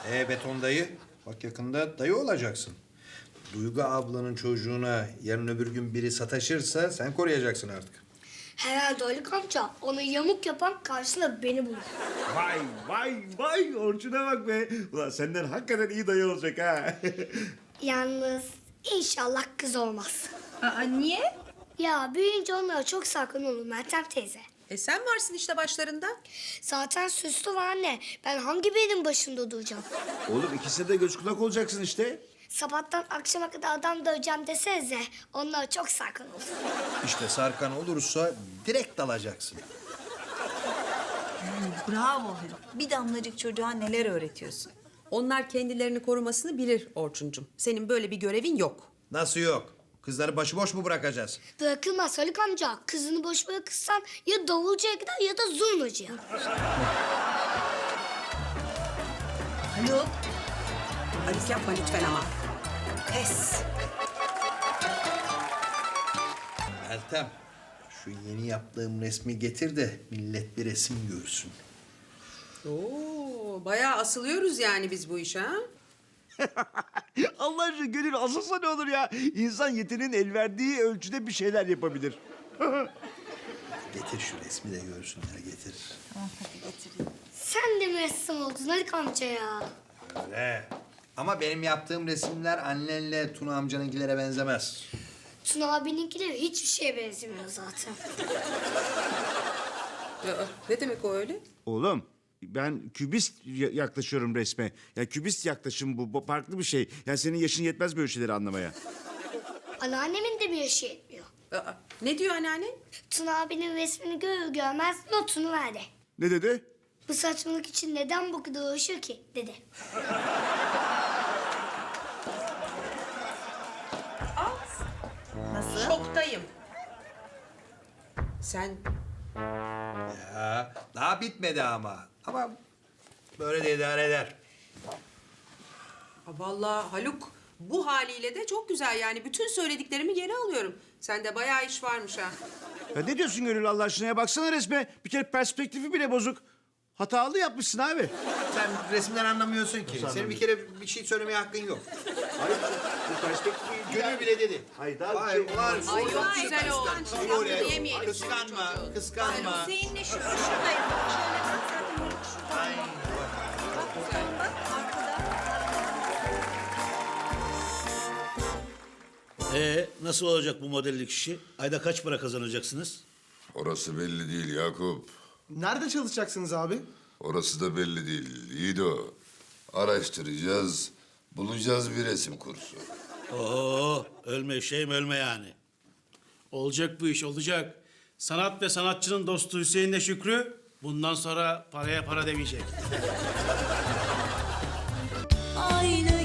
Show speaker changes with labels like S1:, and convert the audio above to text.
S1: Beton dayı, bak yakında dayı olacaksın. Duygu ablanın çocuğuna yarın öbür gün biri sataşırsa sen koruyacaksın artık.
S2: Herhalde Haluk amca onu yamuk yapan karşısında beni bulur.
S3: Vay vay vay Orçun'a bak be. Ulan senden hakikaten iyi dayı olacak ha.
S2: Yalnız inşallah kız olmaz.
S4: Aa, niye?
S2: Ya büyüyünce onlara çok sakın olun Meltem teyze.
S4: Sen varsın işte başlarında.
S2: Zaten süslü var anne. Ben hangi birinin başında duracağım?
S3: Oğlum ikisine de göz kulak olacaksın işte.
S2: Sabahtan akşama kadar adam döveceğim desenize. Onlara çok sakın olun.
S1: İşte Sarkan olursa direkt dalacaksın.
S5: Bravo Haluk. Bir damlacık çocuğa neler öğretiyorsun.
S6: Onlar kendilerini korumasını bilir Orçuncum. Senin böyle bir görevin yok.
S1: Nasıl yok? Kızları başıboş mu bırakacağız?
S2: Bırakılmaz Haluk amca. Kızını boş bırakırsan ya davulcuya gider ya da zurnacıya.
S5: Haluk.
S6: Halis yapma lütfen ama.
S5: Pes.
S1: Meltem, şu yeni yaptığım resmi getir de millet bir resim görsün.
S6: Oo, bayağı asılıyoruz yani biz bu işe ha?
S3: Allah aşkına Gönül asılsa ne olur ya? İnsan yeteneğin el verdiği ölçüde bir şeyler yapabilir.
S1: Getir şu resmi de görsünler, getir.
S5: Tamam hadi getireyim.
S2: Sen de mi ressam oldun Haluk amca ya?
S1: Öyle. Ama benim yaptığım resimler annenle Tuna amcanınkilere benzemez.
S2: Tuna abininkiler hiçbir şeye benzemiyor zaten.
S6: Ne demek o öyle?
S3: Oğlum ben kübist yaklaşıyorum resme. Ya kübist yaklaşım bu farklı bir şey. Yani senin yaşın yetmez böyle şeyleri anlamaya.
S2: Anneannemin de bir yaşı yetmiyor.
S6: Aa, ne diyor anneannen?
S2: Tuna abinin resmini görür görmez notunu verdi.
S3: Ne dedi?
S2: Bu saçmalık için neden bu kadar uğraşıyor ki dedi.
S5: Nasıl?
S6: Şoktayım. Sen
S1: Ya, daha bitmedi ama. Ama böyle de idare eder.
S6: vallahi Haluk bu haliyle de çok güzel yani. Bütün söylediklerimi geri alıyorum. Sende bayağı iş varmış ha.
S3: Ya ne diyorsun Gönül Allah aşkına ya? Baksana resme. Bir kere perspektifi bile bozuk. Hatalı yapmışsın abi.
S1: Sen resimden anlamıyorsun ki. Senin bir kere bir şey söylemeye hakkın yok.
S3: Hayır, bu perspektifi...
S1: Gönül bile dedi.
S3: Hayır, daha
S1: Hayır,
S3: bir şey...
S1: var.
S6: Ay çok güzel oldu.
S1: Öyle.
S6: Yemeyelim.
S1: Kıskanma, kıskanma.
S5: Hüseyin'le şuradayım. Şöyle bak zaten Haluk şurada.
S1: Ay,
S5: Bak buradan bak arkada.
S7: Nasıl olacak bu modellik işi? Ayda kaç para kazanacaksınız?
S8: Orası belli değil Yakup.
S9: Nerede çalışacaksınız abi?
S8: Orası da belli değil. Yiğido. Araştıracağız, bulacağız bir resim kursu.
S7: Oo, ölme şeyim ölme yani.
S10: Olacak bu iş, olacak. Sanat ve sanatçının dostu Hüseyin'le Şükrü bundan sonra paraya para demeyecek.
S5: Aynı